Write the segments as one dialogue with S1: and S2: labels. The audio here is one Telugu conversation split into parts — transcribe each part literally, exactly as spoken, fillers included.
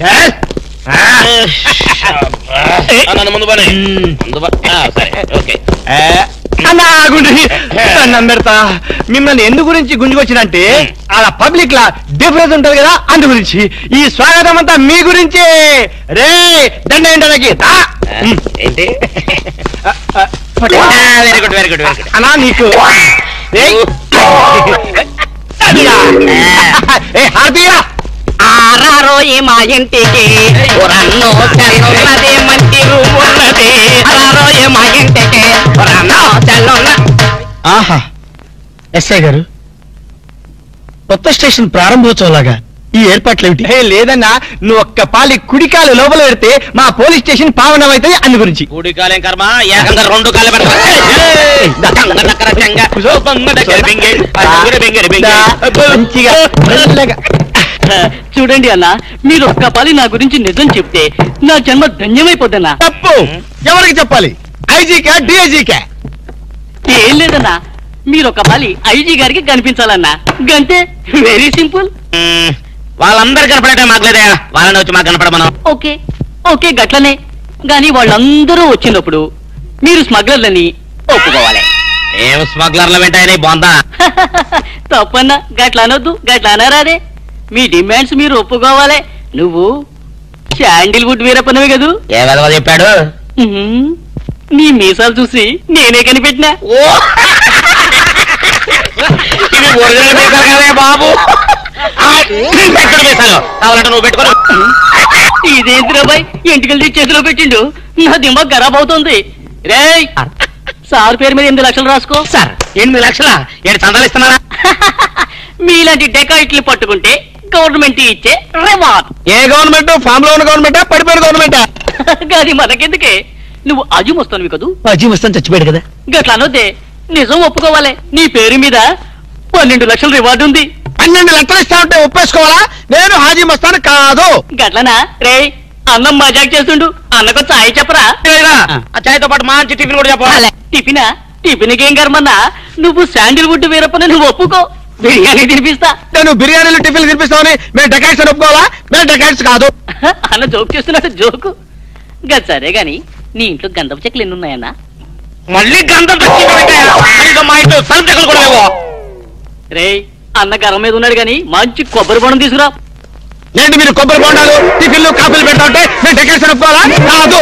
S1: నన్ను ముందు పని సరే ఓకే
S2: పెడతా మిమ్మల్ని ఎందు గురించి గుంజుకొచ్చినంటే అలా పబ్లిక్ లా డిఫరెన్స్ ఉంటది కదా అందు గురించి ఈ స్వాగతం అంతా మీ గురించే రే దండ ఏంటనకి
S1: ఏంటి very good very good very good
S2: అన్నా నీకు హార్దియా
S3: ఆరారోయి మా ఇంటికి రన్నో తెల్లున్నది మంచి రూమ్ ఉన్నది ఆరారోయి మా ఇంటికి రన్నో తెల్లున్న.
S2: ఆహా ఎస్ఐ గారు కొత్త స్టేషన్ ప్రారంభోత్సవంలాగా ఈ ఏర్పాట్లు ఏమిటి? లేదన్నా నువ్వు ఒక్క పాలి కుడికాలు లోపల పెడితే మా పోలీస్ స్టేషన్ పావనం అవుతుంది అందు గురించి.
S1: కుడికాలేం కర్మ ఏకంగా రెండు కాలు
S2: మంచిగా
S3: చూడండి అన్న మీరు ఒక్క పాలి నా గురించి నిజం చెప్తే నా జన్మ ధన్యమైపోద్దన్నా.
S2: తప్పు ఎవరికి చెప్పాలి? ఐజీకా డిఐజీకా?
S3: ఏం లేదన్నా మీరు ఒక పాలి ఐజీ గారికి కనిపించాలన్నా గంతే వెరీ సింపుల్.
S1: వాళ్ళందరూ కనపడటం మాకులేదా వాళ్ళని వచ్చి మాకు కనపడమను.
S3: ఓకే ఓకే గట్లనే గాని వాళ్ళందరూ వచ్చినప్పుడు మీరు స్మగ్లర్లని ఒప్పుకోవాలి.
S1: ఏం స్మగ్లర్ల వెంటాయని బొందా
S3: తప్పన్నా గట్ల అనొద్దు గట్ల అనరాదే మీ డిమాండ్స్ మీరు ఒప్పుకోవాలి. నువ్వు శాండిల్వుడ్ వీరప్పనవి కదూ?
S1: ఏ విధవ చెప్పాడు?
S3: నీ మీసాలు చూసి నేనే కనిపెట్టినా.
S1: బాబు కావాలంటే నువ్వు పెట్టుకో.
S3: ఇదేంద్రాబాయ్ ఎంటికలు చేతిలో పెట్టిండు నా దిమాగ్ ఖరాబ్ అవుతుంది. రే సార్ పేరు మీద ఎనిమిది లక్షలు రాసుకో.
S1: సార్ ఎనిమిది లక్షల ఏడు చందాలు ఇస్తున్నారా?
S3: మీలాంటి డెకాయిట్లు పట్టుకుంటే గవర్నమెంట్ ఇచ్చే రివార్డ్.
S2: ఏ గవర్నమెంట్? ఫామ్ లో ఉన్న గవర్నమెంటా పడిపోయిన గవర్నమెంటా?
S3: కానీ మనకెందుకే నువ్వు అజీమ్ వస్తాను కదా.
S2: అజీమ్ వస్తాను చచ్చిపోయాడు కదా.
S3: గట్లా అనొద్దే నిజం ఒప్పుకోవాలి. నీ పేరు మీద పన్నెండు లక్షల రివార్డు ఉంది.
S2: పన్నెండు లక్షలు ఇస్తా ఉంటే ఒప్పేసుకోవాలా? నేను హాజీ మస్తాను కాదు.
S3: గట్లనా? రే అన్నం మజాక్ చేస్తుండు అన్నకు చాయ్ చెప్పరా?
S1: ఆ చాయ్తో పాటు మంచి టిఫిన్ కూడా చెప్పాలి.
S3: టిఫినా? టిఫిన్ ఏం కర్మన్నా నువ్వు శాండిల్వుడ్ వీరప్పని నువ్వు ఒప్పుకో బిర్యానీ తినిపిస్తా.
S2: నేను బిర్యానీలు టిఫిన్ తినిపిస్తామని మేము డెకాట్స్ అని ఒప్పుకోవాలా? మేము డెకాట్స్ కాదు
S3: అన్న జోక్ చేస్తున్నట్టు జోకు. గది సరే గాని నీ ఇంట్లో గంధపు చెక్కలు ఎన్ని ఉన్నాయన్నా?
S1: మళ్ళీ గంధం మా ఇంట్లో సరుకు చెక్కలు కూడా లేవో.
S3: రే అన్న గర్వం మీద ఉన్నాడు గాని మంచి కొబ్బరి బొండం తీసుకురా.
S2: ఏంటి మీరు కొబ్బరి బొండాలు టిఫిన్లు కాఫీలు పెడతా ఉంటే మేము డెకాట్స్ అని ఒప్పుకోవాలా? కాదు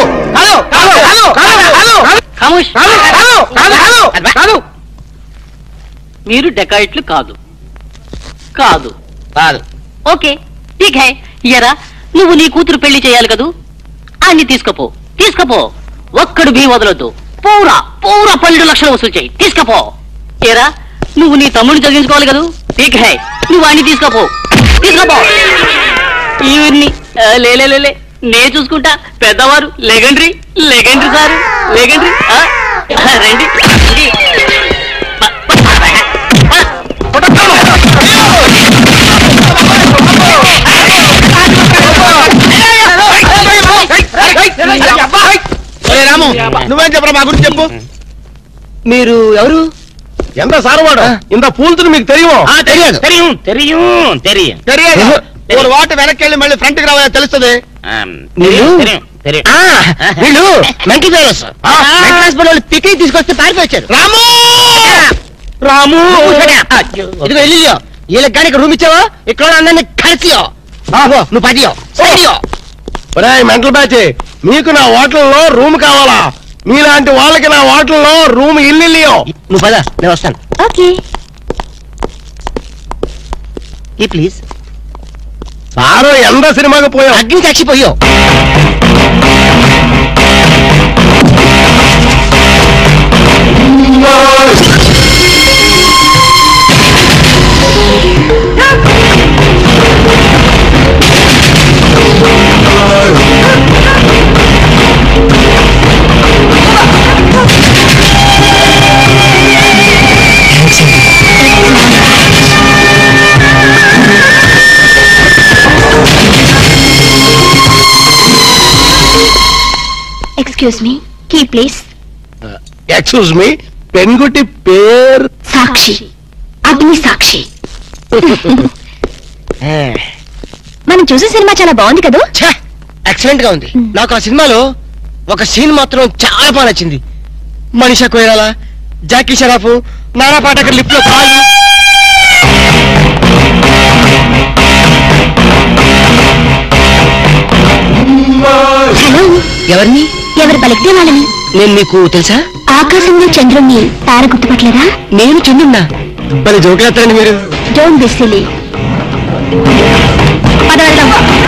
S2: కాదు.
S3: మీరు డెకాయిట్లు కాదు కాదు
S1: కాదు.
S3: ఓకే ఠీక్ హై. ఎరా నువ్వు నీ కూతురు పెళ్లి చేయాలి కదూ అన్ని తీసుకపో తీసుకపో. ఒక్కడు భీ వదలొద్దు. పూరా పూరా పన్నెండు లక్షలు వసూలు చేయి తీసుకపో. ఏరా నువ్వు నీ తమ్ముడిని చదివించుకోవాలి కదూ ఠీక్ హై నువ్వు అన్ని తీసుకపో తీసుకపో. ఇవన్నీ లేలే నే చూసుకుంటా. పెద్దవారు లెగండ్రీ లెగండ్రీ సారు లెగండ్రీ రండి.
S2: రాము నువ్వేం చెప్పరా మా గురించి చెప్పు. మీరు ఎవరు? ఎంత సారవాడు ఇంత పూలుతుని మీకు తెలియవు?
S1: తెలియదు తెలియం తెలియం తెలియం
S2: తెలియదు. ఒక వాటి వెనక్కి వెళ్ళి మళ్ళీ ఫ్రంట్ కి రావాలని తెలుస్తుంది.
S1: వీళ్ళు మంకీ ఫెలోస్ హాస్పిటల్ పిక్నిక్ తీసుకొస్తే పారిపోయారు.
S2: రాము రాము
S1: ఇదిగో వెళ్ళియో వీళ్ళకి కానీ రూమ్ ఇచ్చావో ఇక్కడ అందరినీ కలిసియో బాబో నువ్వు పదియో సరియో.
S2: మెంటల్ బ్యాచ్ మీకు నా హోటల్లో రూమ్ కావాలా? మీలాంటి వాళ్ళకి నా హోటల్లో రూమ్ ఇల్లు.
S1: నువ్వు పద నేను వస్తాను.
S4: Okay
S1: please.
S2: సారు ఎంత సినిమాకి పోయావు?
S1: అగ్ని సాక్షిపోయో.
S4: Excuse me key please.
S2: Excuse me పెన్గుటి పేరు
S4: సాక్షి అగ్ని సాక్షి. మన మనం చూసే సినిమా చాలా బాగుంది కదా.
S1: ఎక్సలెంట్ గా ఉంది. నాకు ఆ సినిమాలో ఒక సీన్ మాత్రం చాలా బాగా నచ్చింది. మనీషా కొయిరాలా, జాకీ షరాఫ్, నానా పాటకర్ లిఫ్ట్ లో కాలు.
S4: హలో,
S1: ఎవరిని?
S4: ఎవరు పలికితే వాళ్ళని.
S1: నేను నీకు తెలుసా?
S4: ఆకాశంలో చంద్రుణ్ణి తార గుర్తుపట్టలేదా?
S1: నేను చంద్రున్నా. భలే జోకులేస్తారండి మీరు.
S4: Don't be silly. పద వెళ్దాం.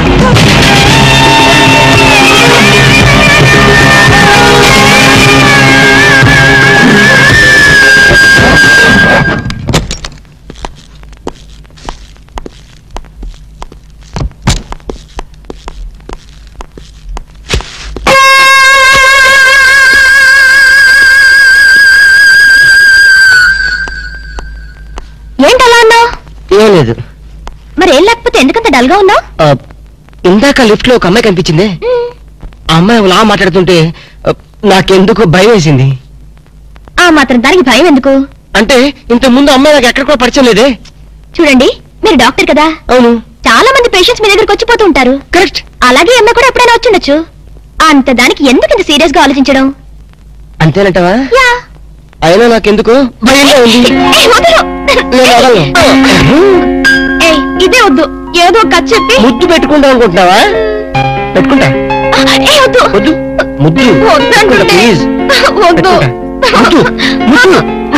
S4: ఏంటలా ఉన్నావు?
S1: ఏం లేదు.
S4: మరి ఏం లేకపోతే ఎందుకంత డల్ గా ఉన్నావు?
S1: ఇందాక లిఫ్ట్ లో ఒక అమ్మాయి కనిపించింది. ఆ అమ్మాయి అలా మాట్లాడుతుంటే ఆ, నాకెందుకు భయం వేసింది.
S4: ఆ మాత్రం దానికి భయం ఎందుకు?
S1: అంటే ఇంత ముందు అమ్మాయి నాకు ఎక్కడ కూడా పరిచయం లేదే.
S4: చూడండి, మీరు డాక్టర్ కదా.
S1: అవును.
S4: చాలా మంది పేషెంట్స్ మీ దగ్గరకు వచ్చిపోతూ ఉంటారు.
S1: కరెక్ట్.
S4: అలాగే అమ్మాయి కూడా ఎప్పుడైనా వచ్చిండొచ్చు. అంత దానికి ఎందుకు ఇంత సీరియస్ గా ఆలోచించడం?
S1: అంతేనంటవా?
S4: యా.
S1: అయినా నాకెందుకు భయంగా ఉంది.
S4: ఏయ్, వదలు.
S1: నేను వదలను.
S4: ఏయ్, ఇదే వద్దు. ఏదో ఒక కథ చెప్పి
S1: ముద్దు పెట్టుకుంటా అనుకుంటున్నావా? పెట్టుకుంటా.
S4: ఏయ్, వద్దు.
S1: వద్దు. ముద్దు
S4: వద్దు అంటుంటే.
S1: ప్లీజ్.
S4: వద్దు.
S1: ముద్దు ముద్దు.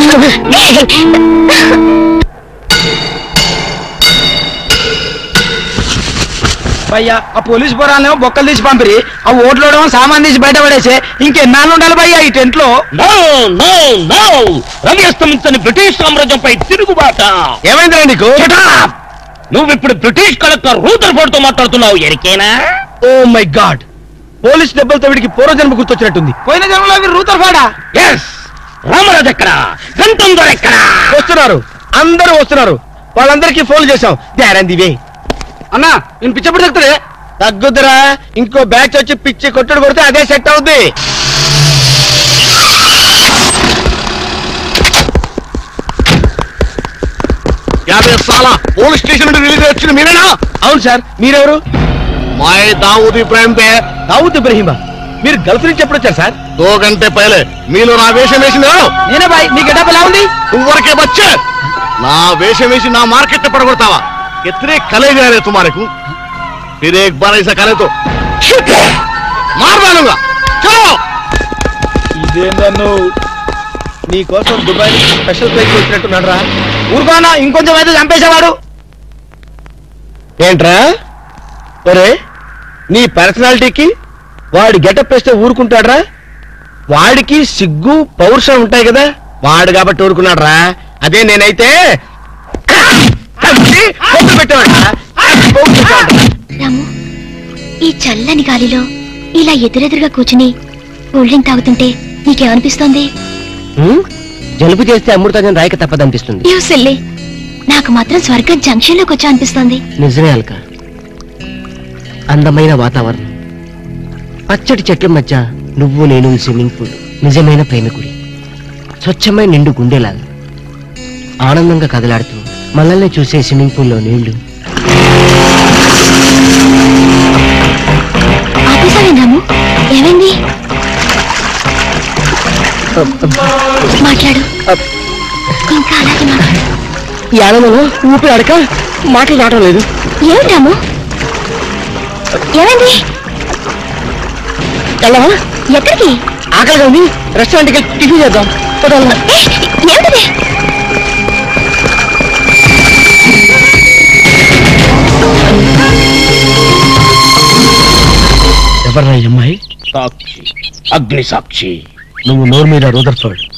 S2: భయ్యా ఆ పోలీస్ పోరాలేమో బొక్కలు తీసి పంపిరి, ఆ ఓట్లోడేమో సామాన్ తీసి బయట పడేసి ఇంకెన్నాళ్ళు ఉండాలి భయ్యా ఈ టెంట్ లో?
S5: రమ్యస్తమించని బ్రిటిష్ సామ్రాజ్యంపై తిరుగుబాట.
S2: ఏమైందిరా నీకు?
S5: నువ్వు ఇప్పుడు బ్రిటిష్ కలెక్టర్ రూదర్ఫోర్డ్ తో మాట్లాడుతున్నావు. ఎరికేనా?
S2: ఓ మై గాడ్, పోలీస్ దెబ్బలతో వీడికి పూర్వజన్మ గుర్తొచ్చినట్టుంది. పోయిన జన్మలో మీరు రూతర్ఫోర్డా?
S5: ఎస్. రామరాజు ఎక్కడ? గంటందర్ ఎక్కడ?
S2: వస్తున్నారు, అందరూ వస్తున్నారు. వాళ్ళందరికీ ఫోన్ చేశాం. వే అన్నా, నేను పిచ్చప్పుడు తగ్గుతుంది. తగ్గుద్దురా, ఇంకో బ్యాచ్ వచ్చి పిచ్చి కొట్టుడు కొడితే అదే సెట్ అవుద్ది.
S5: యాభై సాల పోలీస్ స్టేషన్ నుండి రిలీజ్ వచ్చిన మీరేనా?
S2: అవును సార్, మీరెవరు?
S5: మై దావూద్ ఇబ్రాహిం పే.
S2: దావూద్ ఇబ్రహీమా, మీరు గల్ఫ్ నుంచి ఎప్పుడు వచ్చారు సార్?
S5: దో గంటే పైలే. మీలో నా వేషం వేసింది ఎవరు?
S2: నేనే బాయ్. మీ గెటప్ ఎలా ఉంది?
S5: నువ్వరకే బచ్చే. నా వేషం వేసి నా మార్కెట్ పడగొడతావా? कितने कले जा रहे तुम्हारे को? फिर एक बार ऐसा करे तो मार डालूंगा. चलो.
S2: ఇదేందన్ను నీ కోసం దుబాయ్ నుంచి స్పెషల్ ఫ్లైట్ వచ్చినట్టున్నాడు రా. ఊరుకోనా, ఇంకొంచెం అయితే చంపేసేవాడు. ఏంట్రా ఒరే, నీ పర్సనాలిటీకి వాడి గెటప్ వేస్తే ఊరుకుంటాడ్రా? వాడికి సిగ్గు పౌరుషం ఉంటాయి కదా, వాడు కాబట్టి ఊరుకున్నాడు రా. అదే నేనైతే
S4: రాము, ఈ చల్లని గాలిలో ఇలా ఎదురెదురుగా కూర్చుని కూల్ డ్రింక్ తాగుతుంటే నీకేమనిపిస్తోంది?
S1: జలుబు చేస్తే అమృతాజన్ రాయక తప్పదనిపిస్తుంది.
S4: యూ సిల్లీ, నాకు మాత్రం స్వర్గం జంక్షన్ లోకి వచ్చా అనిపిస్తోంది.
S1: నిజమే అల్క. అందమైన వాతావరణం, పచ్చటి చెట్ల మధ్య నువ్వు నేను ఈ స్విమ్మింగ్ పూల్, నిజమైన ప్రేమికుడి, స్వచ్ఛమైన నిండు గుండెలాగా ఆనందంగా కదలాడుతూ మనల్ని చూసే స్విమ్మింగ్ పూల్లో నీళ్లు.
S4: ఆపేసావేందాము, ఏమైంది? మాట్లాడు, ఇంకా అలాగే మాట్లాడు.
S1: ఈ ఆనందంలో ఊపిరి అడక మాటలు రావడం లేదు.
S4: ఏమిటాము, ఏమైంది?
S1: వెళ్ళవా?
S4: ఎక్కడికి?
S1: ఆకలిగా ఉంది, రెస్టారెంట్కి టిఫిన్ చేద్దాం.
S4: ఏమిటిది?
S2: ఎవర్రా ఈ అమ్మాయి?
S5: సాక్షి, అగ్ని సాక్షి.
S2: నువ్వు నోరు మీద రూదర్ఫోర్డ్.